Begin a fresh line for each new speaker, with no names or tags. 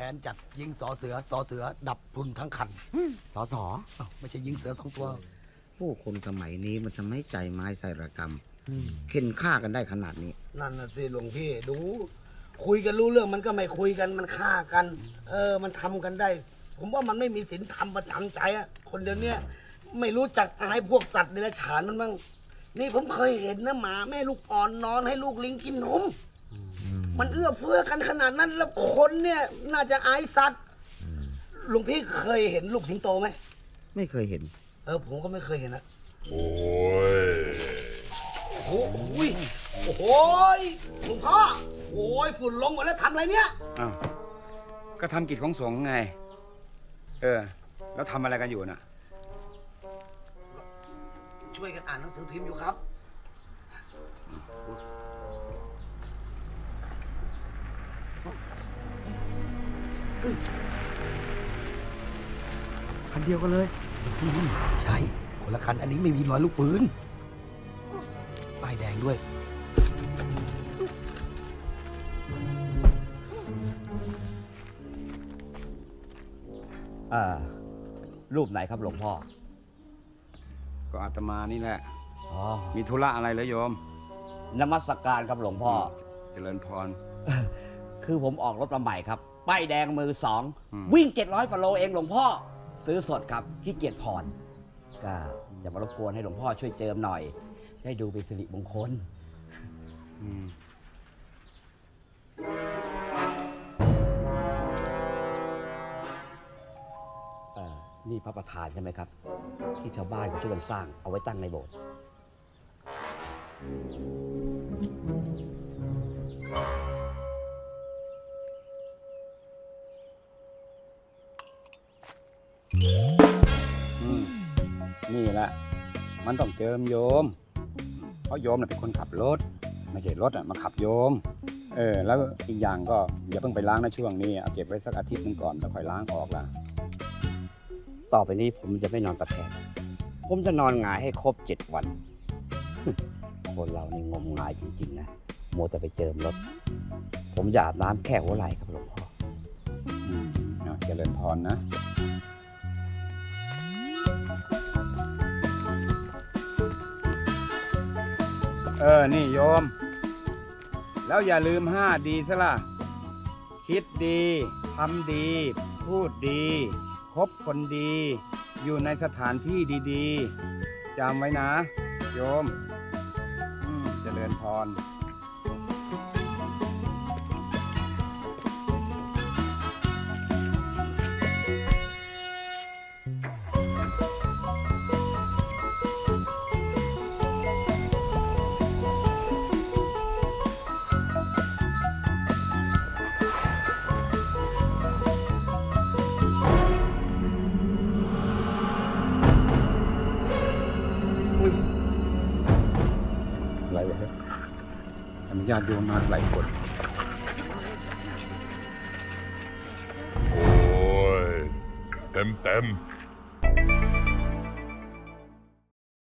นจัดยิงสอเสือดับพรุนทั้งคัน
สอสอ
ไม่ใช่ยิงเสือ2 ตัว
ผู้คนสมัยนี้มันจะไม่ใจไม้ใส่ระกรรมเข็นฆ่ากันได้ขนาดนี้
นั่นน่ะสิหลวงพี่ดู คุยกันรู้เรื่องมันก็ไม่คุยกันมันฆ่ากัน มันทำกันได้ ผมว่ามันไม่มีศีลธรรมประจำใจอะคนเดียวนี้ไม่รู้จักอายพวกสัตว์เดรัจฉานมันบ้างนี่ผมเคยเห็นนะหมาแม่ลูกอ่อนนอนให้ลูกลิงกินนมมันเอื้อเฟื้อกันขนาดนั้นแล้วคนเนี่ยน่าจะอายสัตว์หลวงพี่เคยเห็นลูกสิงโตไหม
ไม่เคยเห็น
ผมก็ไม่เคยเห็นนะ
โอ้ย
โอ้โหโอ้โหหลวงพ่อโอ้ยฝุ่นลงหมดแล้วทำอะไรเนี่ย
อ้าวก็ทำกิจของสงฆ์ไง แล้วทำอะไรกันอยู่น่ะ
ช่วยกันอ่านหนังสือพิมพ์อยู่ครับ
คันเดียวกันเลย
ใช่คนละคันอันนี้ไม่มีรอยลูกปืนป้ายแดงด้วย
รูปไหนครับหลวงพ่อ
ก็อาตมานี่แหละ
อ๋อ
มีธุระอะไรเหรอโยม
นมัสการครับหลวงพ่อ
เจริญพร
คือผมออกรถมาใหม่ครับ ป้ายแดงมือสอง
อืม
วิ่ง700ฟโลเองหลวงพ่อ ซื้อสดครับขี้เกียจผ่อนก็อย่ามารบกวนให้หลวงพ่อช่วยเจิมหน่อย ได้ดูเป็นสิริมงคล
อืม
นี่พระประธานใช่ไหมครับ ที่ชาวบ้านเขาช่วยกันสร้างเอาไว้ตั้งในโบสถ์
นี่แหละ มันต้องเจิมโยม เพราะโยมน่ะเป็นคนขับรถ ไม่ใช่รถมาขับโยม แล้วอีกอย่างก็อย่าเพิ่งไปล้างนะช่วงนี้เอาเก็บไว้สักอาทิตย์หนึงก่อนแล้วค่อยล้างออกละ
ต่อไปนี้ผมจะไม่นอนตะแคงผมจะนอนหงายให้ครบ7 วัน คนเรานี่งมงายจริงๆนะมัวแต่ไปเจิมรถ ผมจะอาบน้ำแค่หัวไหล่ครับหลวงพ่อ
เจริญพรนะ นี่โยม แล้วอย่าลืม5 ดีซะล่ะ คิดดี ทำดี พูดดี คบคนดี อยู่ในสถานที่ดีๆ จำไว้นะ โยม เจริญพร อะไรวะเนี่ยอนุญาตโยมมาหลายคน
โอ้ย เต็ม